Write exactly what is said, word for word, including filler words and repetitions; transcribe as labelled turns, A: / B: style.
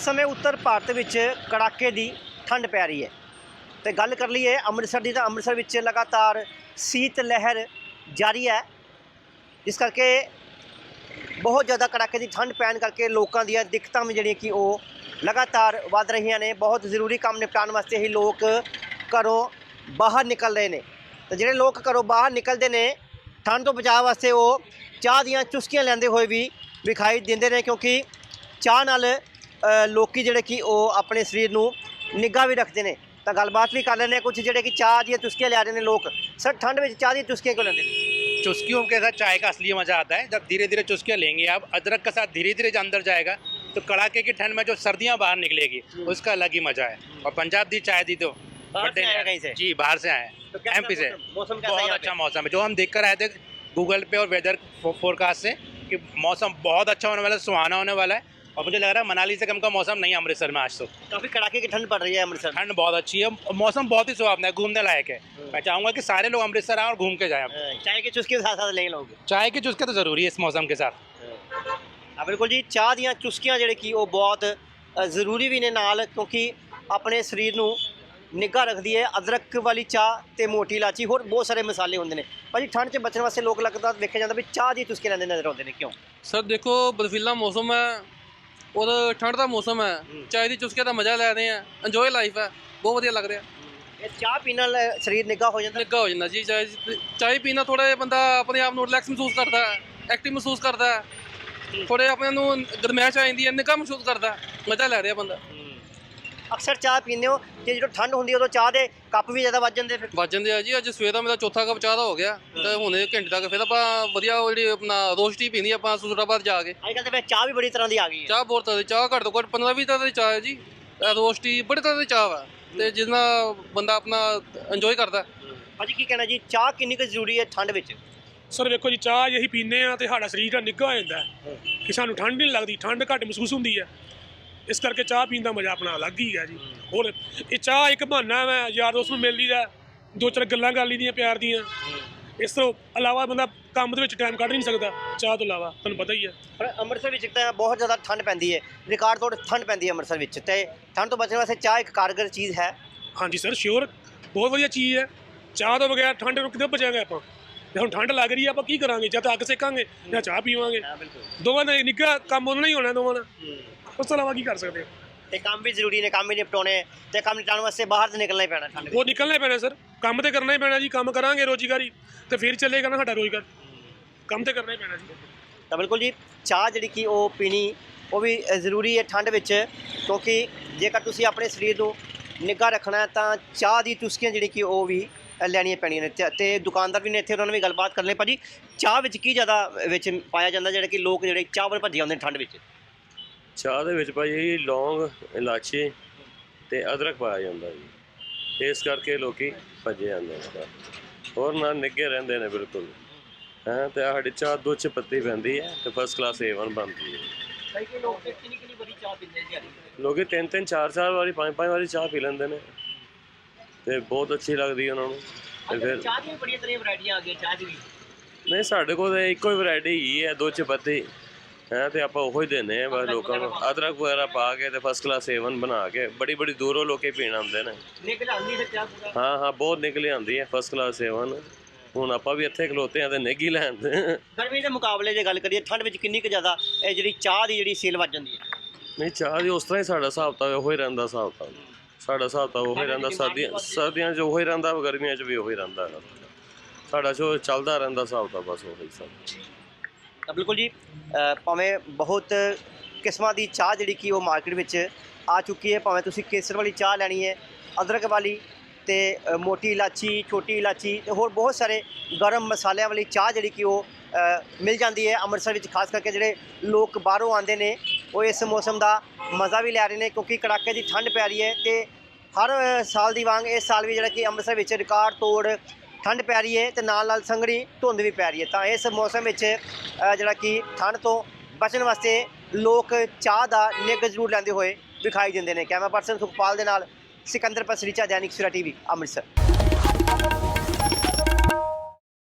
A: इस समय उत्तर भारत विच कड़ाके की ठंड पै रही है। तो गल कर लीए अमृतसर की, तो अमृतसर विच लगातार शीत लहर जारी है, जिस करके बहुत ज़्यादा कड़ाके की ठंड पैन करके लोगों दी दिक्कतां भी जिहड़ियां कि वो लगातार वध रही ने। बहुत जरूरी काम निपटान वास्ते ही लोग घरों बाहर निकल रहे हैं। तो जिहड़े लोग घरों बाहर निकलते हैं ठंड तो बचाव वास्ते वो चाह दीयां चुस्कियां लैंदे हुए भी विखाई दिंदे ने, क्योंकि चाह नाल लोग जिहड़े कि वो अपने शरीर नूं निग्घा भी रखते हैं। तो गलबात भी कर लेने कुछ जिहड़े कि चाह दी चुस्कियां लै रहे हैं लोग। सर, ठंड में चाह दी चुस्कियां क्यों लेंदे ने?
B: चुस्कियों के साथ चाय का असली मज़ा आता है जब धीरे धीरे चुस्कियाँ लेंगे आप, अदरक के साथ धीरे धीरे अंदर जाएगा तो कड़ाके की ठंड में जो सर्दियाँ बाहर निकलेगी उसका अलग ही मज़ा है। और पंजाब दी चाय दी तो
A: बाहर से आए कहीं से?
B: जी, बाहर से आए
A: तो
B: हैं,
A: कैसा
B: एमपी से।
A: मौसम कैसा है
B: बहुत
A: यहाँ
B: अच्छा
A: पे?
B: मौसम है, जो हम देख कर आए थे गूगल पे और वेदर फोरकास्ट से कि मौसम बहुत अच्छा होने वाला है, सुहाना होने वाला है। और मुझे लग रहा है मनाली से कम का मौसम नहीं है अमृतसर में आज तो।
A: काफ़ी कड़ाके की ठंड पड़ रही है अमृतसर में।
B: ठंड बहुत अच्छी है, मौसम बहुत ही सुहावना है, घूमने लायक है। मैं चाहूँगा कि सारे लोग अमृतसर आएँ और घूम के जाएँ।
A: चाय की चुस्की के साथ साथ लेंगे लोग।
B: चाय की चुस्की तो ज़रूरी है इस मौसम के साथ।
A: हाँ बिल्कुल जी, चाह ਦੀਆਂ ਚੁਸਕੀਆਂ ਜਿਹੜੇ ਕਿ ਉਹ ਬਹੁਤ ਜ਼ਰੂਰੀ ਵੀ ਨੇ ਨਾਲ, ਕਿਉਂਕਿ ਆਪਣੇ ਸਰੀਰ ਨੂੰ ਨਿੱਘਾ ਰੱਖਦੀ ਹੈ। ਅਦਰਕ ਵਾਲੀ ਚਾਹ ਤੇ ਮੋਟੀ ਇਲਾਚੀ ਹੋਰ ਬਹੁਤ ਸਾਰੇ ਮਸਾਲੇ ਹੁੰਦੇ ਨੇ। ਭਾਜੀ, ਠੰਡ 'ਚ ਬਚਣ ਵਾਸਤੇ ਲੋਕ ਲੱਗਦਾ ਵੇਖਿਆ ਜਾਂਦਾ ਵੀ ਚਾਹ ਦੀ ਚੁਸਕੀ ਲੈਂਦੇ ਨਜ਼ਰ ਆਉਂਦੇ ਨੇ, ਕਿਉਂ?
C: सर देखो, बर्फीला मौसम है और ठंड का मौसम है, चाय की चुस्के का मज़ा लै रहे हैं, इंजॉय लाइफ है, बहुत वधिया लग रहा है।
A: ਇਹ ਚਾਹ ਪੀਣ ਨਾਲ ਸਰੀਰ ਨਿੱਘਾ ਹੋ ਜਾਂਦਾ।
C: निग्घा हो जाता जी, चाय चाय पीना थोड़ा जिहा बंदा अपने आप को रिलैक्स महसूस करता है, एक्टिव महसूस करता है, थोड़े अपने नूं गरमैश आ जाती है, निग्घा महसूस करता है, मज़ा लै रहा बंदा।
A: ਅਕਸਰ ਚਾਹ ਪੀਂਦੇ ਹੋ ਤੇ ਜਦੋਂ ਠੰਡ ਹੁੰਦੀ ਉਦੋਂ ਚਾਹ ਦੇ ਕੱਪ ਵੀ ਜ਼ਿਆਦਾ ਵੱਜ ਜਾਂਦੇ ਫਿਰ?
C: ਵੱਜ ਜਾਂਦੇ ਆ ਜੀ। ਅੱਜ ਸਵੇਰ ਦਾ ਮੇਰਾ ਚੌਥਾ ਕੱਪ ਚਾਹ ਦਾ ਹੋ ਗਿਆ ਤੇ ਹੁਣ ਇਹ ਘੰਟੇ ਤੱਕ ਫਿਰ ਆਪਾਂ ਵਧੀਆ ਉਹ ਜਿਹੜੀ ਆਪਣਾ ਰੋਸਟੀ ਪੀਂਦੀ ਆਪਾਂ ਸੁਸਰਾਬਾਦ ਜਾ ਕੇ।
A: ਅੱਜ ਕੱਲ੍ਹ ਤਾਂ ਫਿਰ ਚਾਹ ਵੀ ਬੜੀ ਤਰ੍ਹਾਂ ਦੀ ਆ ਗਈ ਹੈ।
C: ਚਾਹ ਬਹੁਤ ਤਰ੍ਹਾਂ ਦੀ ਚਾਹ, ਘੱਟ ਤੋਂ ਘੱਟ ਪੰਦਰਾਂ ਵੀਹ ਤਰ੍ਹਾਂ ਦੀ ਚਾਹ ਹੈ ਜੀ। ਰੋਸਟੀ ਬੜੇ ਤਰ੍ਹਾਂ ਦੀ ਚਾਹ ਵਾ ਤੇ ਜਿਸ ਨਾਲ ਬੰਦਾ ਆਪਣਾ ਇੰਜੋਏ ਕਰਦਾ।
A: ਭਾਜੀ, ਕੀ ਕਹਿਣਾ ਜੀ, ਚਾਹ ਕਿੰਨੀ ਕੁ ਜ਼ਰੂਰੀ ਹੈ ਠੰਡ ਵਿੱਚ?
D: ਸਰ ਵੇਖੋ ਜੀ, ਚਾਹ ਜੇ ਅਸੀਂ ਪੀਂਦੇ ਆ ਤੇ ਸਾਡਾ ਸਰੀਰ ਦਾ ਨਿੱਘਾ ਹੋ ਜਾਂਦਾ ਹੈ ਕਿ ਸਾਨੂੰ ਠੰਡ ਨਹੀਂ ਲੱਗਦੀ, ਠੰਡ ਘੱਟ ਮਹਿਸੂਸ ਹੁੰਦੀ ਹੈ। ਇਸ ਕਰਕੇ ਚਾਹ ਪੀਣ ਦਾ ਮਜ਼ਾ ਆਪਣਾ ਅਲੱਗ ਹੀ ਹੈ ਜੀ। ਹੋਰ ਇਹ ਚਾਹ ਇੱਕ ਬਹਾਨਾ ਹੈ ਯਾਰ ਦੋਸਤ ਨੂੰ ਮਿਲ ਲਈਦਾ, ਦੋ ਚਾਰ ਗੱਲਾਂ ਕਰ ਲਈਦੀਆਂ ਪਿਆਰ ਦੀਆਂ। ਇਸ ਤੋਂ ਇਲਾਵਾ ਬੰਦਾ ਕੰਮ ਦੇ ਵਿੱਚ ਟਾਈਮ ਕੱਢ ਨਹੀਂ ਸਕਦਾ ਚਾਹ ਤੋਂ ਇਲਾਵਾ, ਤੁਹਾਨੂੰ ਪਤਾ ਹੀ ਹੈ।
A: ਪਰ ਅੰਮ੍ਰਿਤਸਰ ਵਿੱਚ ਤਾਂ ਬਹੁਤ ਜ਼ਿਆਦਾ ਠੰਡ ਪੈਂਦੀ ਹੈ, ਰਿਕਾਰਡ ਤੋੜ ਠੰਡ ਪੈਂਦੀ ਹੈ ਅੰਮ੍ਰਿਤਸਰ ਵਿੱਚ, ਤੇ ਠੰਡ ਤੋਂ ਬਚਣ ਵਾਸਤੇ ਚਾਹ ਇੱਕ ਕਾਰਗਰ ਚੀਜ਼ ਹੈ।
D: ਹਾਂਜੀ ਸਰ, ਸ਼ਿਓਰ, ਬਹੁਤ ਵਧੀਆ ਚੀਜ਼ ਹੈ। ਚਾਹ ਤੋਂ ਬਗੈਰ ਠੰਡ ਨੂੰ ਕਿੱਦਾਂ ਬਚਾਂਗੇ ਆਪਾਂ? ਜੇ ਹੁਣ ਠੰਡ ਲੱਗ ਰਹੀ ਹੈ ਆਪਾਂ ਕੀ ਕਰਾਂਗੇ? ਜਾਂ ਤਾਂ ਅੱਗ ਸੇਕਾਂਗੇ ਜਾਂ ਚਾਹ ਪੀਵਾਂਗੇ। ਦੋਵਾਂ ਦਾ ਨਿੱਘਾ ਕੰਮ ਉਹਨਾਂ ਹੀ ਹੋਣਾ, ਦੋਵਾਂ ਦਾ। ਉਸ ਤੋਂ ਇਲਾਵਾ ਕੀ ਕਰ ਸਕਦੇ ਹੋ?
A: ਤੇ ਕੰਮ ਵੀ ਜ਼ਰੂਰੀ ਨੇ, ਕੰਮ ਵੀ ਨਿਪਟਾਉਣੇ ਤੇ ਕੰਮ ਨਿਪਟਾਉਣ ਵਾਸਤੇ ਬਾਹਰ ਤਾਂ ਨਿਕਲਣਾ ਹੀ ਪੈਣਾ ਠੰਡ ਵਿੱਚ।
D: ਉਹ ਨਿਕਲਣਾ ਹੀ ਪੈਣਾ ਸਰ, ਕੰਮ ਤੇ ਕਰਨਾ ਹੀ ਪੈਣਾ ਜੀ। ਕੰਮ ਕਰਾਂਗੇ ਰੋਜ਼ਗਾਰੀ ਤੇ ਫਿਰ ਚੱਲੇਗਾ ਨਾ ਸਾਡਾ ਰੋਜ਼ਗਾਰ, ਕੰਮ ਤੇ ਕਰਨਾ ਹੀ ਪੈਣਾ ਜੀ।
A: ਤਾਂ ਬਿਲਕੁਲ ਜੀ, ਚਾਹ ਜਿਹੜੀ ਕਿ ਉਹ ਪੀਣੀ ਉਹ ਵੀ ਜ਼ਰੂਰੀ ਹੈ ਠੰਡ ਵਿੱਚ, ਕਿਉਂਕਿ ਜੇਕਰ ਤੁਸੀਂ ਆਪਣੇ ਸਰੀਰ ਨੂੰ ਨਿੱਘਾ ਰੱਖਣਾ ਤਾਂ ਚਾਹ ਦੀ ਚੁਸਕੀਆਂ ਜਿਹੜੀ ਕਿ ਉਹ ਵੀ ਲੈਣੀਆਂ ਪੈਣੀਆਂ ਨੇ। ਤੇ ਦੁਕਾਨਦਾਰ ਵੀ ਨੇ ਇੱਥੇ, ਉਹਨਾਂ ਨਾਲ ਵੀ ਗੱਲਬਾਤ ਕਰ ਲਈ। ਭਾਜੀ, ਚਾਹ ਵਿੱਚ ਕੀ ਜ਼ਿਆਦਾ ਵਿੱਚ ਪਾਇਆ ਜਾਂਦਾ ਜਿਹੜਾ ਕਿ ਲੋਕ ਜਿਹੜੇ ਚਾਹ ਵੱਲ ਭੱਜੇ ਆਉਂਦੇ ਨੇ ਠੰਡ ਵਿੱਚ?
E: ਚਾਹ ਦੇ ਵਿੱਚ ਭਾਈ ਲੌਂਗ, ਇਲਾਚੀ ਤੇ ਅਦਰਕ ਪਾਇਆ ਜਾਂਦਾ ਜੀ, ਇਸ ਕਰਕੇ ਲੋਕੀ ਭੱਜੇ ਜਾਂਦੇ ਨੇ। ਹੋਰ ਨਾਲ ਨਿੱਘੇ ਰਹਿੰਦੇ ਨੇ ਬਿਲਕੁਲ ਹੈਂ। ਤੇ ਸਾਡੀ ਚਾਹ ਦੁੱਧ 'ਚ ਪੱਤੀ ਪੈਂਦੀ ਹੈ ਤੇ ਫਸਟ ਕਲਾਸ ਏ ਵਨ ਬਣਦੀ ਹੈ।
A: ਕਈ ਲੋਕ ਕਿੰਨੀ ਕਿੰਨੀ ਬੜੀ ਚਾਹ ਪੀਂਦੇ ਜੀ?
E: ਲੋਕੀ ਤਿੰਨ ਤਿੰਨ ਚਾਰ ਚਾਰ ਵਾਰੀ ਪੰਜ ਪੰਜ ਵਾਰੀ ਚਾਹ ਪੀ ਲੈਂਦੇ ਨੇ ਤੇ ਬਹੁਤ ਅੱਛੀ ਲੱਗਦੀ ਉਹਨਾਂ ਨੂੰ। ਤੇ ਫਿਰ
A: ਚਾਹ ਦੀਆਂ ਬੜੀਆਂ ਤਰ੍ਹਾਂ ਵੈਰਾਈਟੀਆਂ ਆ ਗਈਆਂ ਚਾਹ ਦੀ ਵੀ।
E: ਨਹੀਂ, ਸਾਡੇ ਕੋਲ ਤਾਂ ਇੱਕੋ ਹੀ ਵੈਰਾਈਟੀ ਹੀ ਹੈ, ਦੁੱਧ 'ਚ ਪੱਤੀ ਹੈ ਤੇ ਆਪਾਂ ਉਹੀ ਦਿੰਦੇ ਹਾਂ ਬਸ ਲੋਕਾਂ ਨੂੰ। ਅਦਰਕ ਵਗੈਰਾ ਪਾ ਕੇ ਤੇ ਫਸਟ ਕਲਾਸ ਏ ਵਨ ਬਣਾ ਕੇ ਬੜੀ ਬੜੀ ਦੂਰੋਂ ਲੋਕੀ ਪੀਣ ਆਉਂਦੇ ਨੇ।
A: ਨਿਕਲ ਆਉਂਦੀ ਹੈ ਚਾਹ ਪੂਰਾ?
E: ਹਾਂ ਹਾਂ, ਬਹੁਤ ਨਿਕਲ ਆਉਂਦੀ ਹੈ ਫਸਟ ਕਲਾਸ ਏ ਵਨ। ਹੁਣ ਆਪਾਂ ਵੀ ਇੱਥੇ ਖਲੋਤੇ ਆ ਤੇ ਨਿੱਘੀ ਲੈਣ ਦੇ।
A: ਗਰਮੀ ਦੇ ਮੁਕਾਬਲੇ ਜੇ ਗੱਲ ਕਰੀਏ ਠੰਡ ਵਿੱਚ ਕਿੰਨੀ ਕੁ ਜ਼ਿਆਦਾ ਇਹ ਜਿਹੜੀ ਚਾਹ ਦੀ ਜਿਹੜੀ ਸੇਲ ਵੱਧ ਜਾਂਦੀ ਹੈ?
E: ਨਹੀਂ, ਚਾਹ ਦੀ ਉਸ ਤਰ੍ਹਾਂ ਹੀ ਸਾਡਾ ਹਿਸਾਬ ਤਾਂ ਉਹੀ ਰਹਿੰਦਾ। ਹਿਸਾਬ ਤਾਂ ਸਾਡਾ ਹਿਸਾਬ ਤਾਂ ਉਹੀ ਰਹਿੰਦਾ, ਸਰਦੀਆਂ ਸਰਦੀਆਂ 'ਚ ਉਹੀ ਰਹਿੰਦਾ, ਗਰਮੀਆਂ 'ਚ ਵੀ ਉਹੀ ਰਹਿੰਦਾ। ਸਾਡਾ ਜੋ ਚੱਲਦਾ ਰਹਿੰਦਾ ਹਿਸਾਬ ਤਾਂ ਬਸ ਉਹੀ ਸਭ।
A: ਤਾਂ ਬਿਲਕੁਲ ਜੀ, ਭਾਵੇਂ ਬਹੁਤ ਕਿਸਮਾਂ ਦੀ ਚਾਹ ਜਿਹੜੀ ਕਿ ਉਹ ਮਾਰਕੀਟ ਵਿੱਚ ਆ ਚੁੱਕੀ ਹੈ। ਭਾਵੇਂ ਤੁਸੀਂ ਕੇਸਰ ਵਾਲੀ ਚਾਹ ਲੈਣੀ ਹੈ, ਅਦਰਕ ਵਾਲੀ ਤੇ ਮੋਟੀ ਇਲਾਚੀ, ਛੋਟੀ ਇਲਾਚੀ ਤੇ ਹੋਰ ਬਹੁਤ ਸਾਰੇ ਗਰਮ ਮਸਾਲਿਆਂ ਵਾਲੀ ਚਾਹ ਜਿਹੜੀ ਕਿ ਉਹ ਮਿਲ ਜਾਂਦੀ ਹੈ ਅੰਮ੍ਰਿਤਸਰ ਵਿੱਚ। ਖਾਸ ਕਰਕੇ ਜਿਹੜੇ ਲੋਕ ਬਾਹਰੋਂ ਆਉਂਦੇ ਨੇ ਉਹ ਇਸ ਮੌਸਮ ਦਾ ਮਜ਼ਾ ਵੀ ਲੈ ਰਹੇ ਨੇ, ਕਿਉਂਕਿ ਕੜਾਕੇ ਦੀ ਠੰਡ ਪੈ ਰਹੀ ਹੈ। ਤੇ ਹਰ ਸਾਲ ਦੀ ਵਾਂਗ ਇਸ ਸਾਲ ਵੀ ਜਿਹੜਾ ਕਿ ਅੰਮ੍ਰਿਤਸਰ ਵਿੱਚ ਰਿਕਾਰਡ ਤੋੜ ਠੰਡ ਪੈ ਰਹੀ ਹੈ ਤੇ ਨਾਲ ਨਾਲ ਸੰਘਣੀ ਧੁੰਦ ਵੀ ਪੈ ਰਹੀ ਹੈ। ਤਾਂ ਇਸ ਮੌਸਮ ਵਿੱਚ ਜਿਹੜਾ ਕਿ ਠੰਡ ਤੋਂ ਬਚਣ ਵਾਸਤੇ ਲੋਕ ਚਾਹ ਦਾ ਨਿੱਘ ਜ਼ਰੂਰ ਲੈਂਦੇ ਹੋਏ ਵਿਖਾਈ ਦਿੰਦੇ ਨੇ। ਕੈਮਰਾ ਪਰਸਨ ਸੁਖਪਾਲ ਦੇ ਨਾਲ ਸਿਕੰਦਰ ਪਸਰੀਚਾ, दैनिक सवेरा टीवी, अमृतसर।